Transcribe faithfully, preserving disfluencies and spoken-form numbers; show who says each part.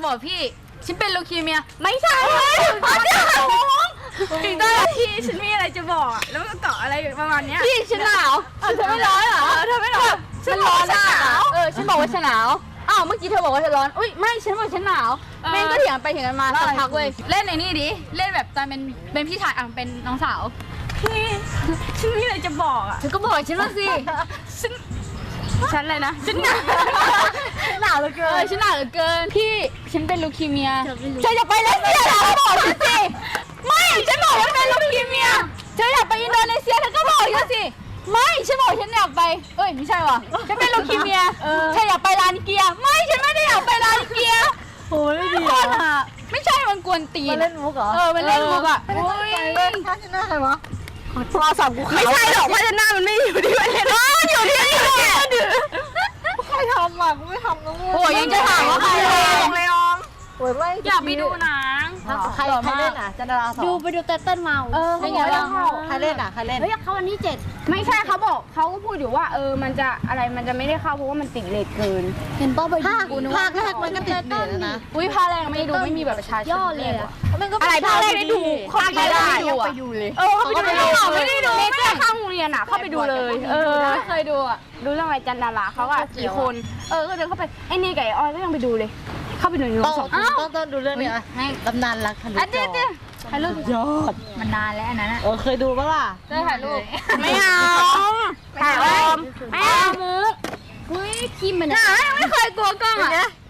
Speaker 1: บอกพี่ฉันเป็นลูคีเมียไม่ใช่
Speaker 2: ถึงตอนที่ฉันมีอะไรจะบอกอ่ะแล้วก็เกาะอะไรประมาณเนี้ย
Speaker 1: พี่ฉันหนาวเธอไม่ร้อนเหรอเธอไม่ร้อนฉันร้อนหนาวเออฉันบอกว่าฉันหนาวอ้าวเมื่อกี้เธอบอกว่าเธอร้อนอุ้ยไม่ฉันบอกฉันหนาวแม่งก็เถียงไปเถียงกันมาสักพักเว้ยเล่นในนี่ดิเล่นแบบตอนเป็นเป็นพี่ชายอ่ะเป็นน้องสาว
Speaker 2: พี่ฉันมีอะไรจะบอกอ่ะ
Speaker 1: เธอก็บอกฉันว่าสิ
Speaker 2: ฉันฉันอะไรนะฉันหนาว
Speaker 1: หนาวเหลือเกินฉันหนาวเหลือเกินพี่ฉันเป็นลูคีเมียเธออย่าไปเลเซียแล้วบอกฉันสิไม่ฉันบอกว่าเป็นลูคีเมียเธออยากไปอินโดนีเซียเธอก็บอกฉันสิไม่ฉันบอกฉันอยากไปเอ้ยไม่ใช่ว่ะฉันเป็นลูคีเมียเธออยากไปลานเกียไม่ฉันไม่ได้อยากไปลานเกีย
Speaker 3: โอ้ยไม่ดี
Speaker 1: คนอ่ะไม่ใช่มันกวนตีน
Speaker 3: มาเล่นมุกเหรอ
Speaker 1: เออมันเล่นมุกอ่ะ
Speaker 3: โอ้ยถ้าชนะใครวะโทรศัพท์กูขาว
Speaker 2: ไม่ใช่หรอกเพราะฉันหน้ามันไม่อยู่ที่ประเทศอยู่ที่นี่เนี่ย
Speaker 3: ใครทำอ่ะกูไม่ทำนะ
Speaker 1: โอ้ยยังจะถามว่าใคร
Speaker 2: เลย
Speaker 1: เล่น
Speaker 2: เลยออง
Speaker 3: โอ้ยไม่
Speaker 2: อยากไปดูหนัง
Speaker 3: ใครใครเล่นอ่ะจันดาราสอง
Speaker 4: ดูไปดูเต้นเต้นเมา
Speaker 1: เออ
Speaker 3: เป็นไงบ้างใครเล่นอ่ะใครเล่น
Speaker 4: เฮ้ยเขาวันที่เจ็ด
Speaker 2: ไม่ใช่เขาบอกเขาก็พูดอยู่ว่าเออมันจะอะไรมันจะไม่ได้เข้าเพราะว่ามันติดเลทเกิน
Speaker 4: เห็นป้าไป
Speaker 3: ภาค
Speaker 4: ดูนึก
Speaker 3: ภา
Speaker 4: ว่า
Speaker 3: คแรกมันก็ติดเหนือนะ
Speaker 1: อุ้ยพาแรงไม่ดูไม่มีแบบประชาชน
Speaker 4: ย่อเลยอะ
Speaker 2: อะไรภาคแรกได้ดู
Speaker 1: ภาคแรกได้ดูอ่ะ
Speaker 2: เออเข้าไปดูเลยไม่ได้ดูไม่ได้เข้าโรงเรียนอ่ะเข้าไปดูเลย เออ
Speaker 1: ไม่เคยดูอ่ะ
Speaker 2: ดูเรื่องอะไรจันดาราเขาอะกี่คน เออ ก็เดินเข้าไป ไอ้นี่กับไอ้ออยก็ยังไปดูเลย เข้าไปดูในโร
Speaker 3: ต้อง
Speaker 2: งสอง
Speaker 3: ต้องต้องดูเรื่องนี้อ่ะตำนานรักทะลุ
Speaker 2: อ่ะ
Speaker 3: จ
Speaker 2: เจ๊
Speaker 3: อ
Speaker 2: เจ๊ถ่ายรูป
Speaker 3: ยอด
Speaker 1: มันนานแล้วอันนั้นอ่ะ
Speaker 3: เออเคยดูปะล่ะ
Speaker 1: เจอถ่ายรูป
Speaker 2: ไม่เอาถ่ายไว้ไม่เอามุก
Speaker 4: เฮ้ยคิมมัน
Speaker 2: หนาไม่เคยกลัวกล้องอะ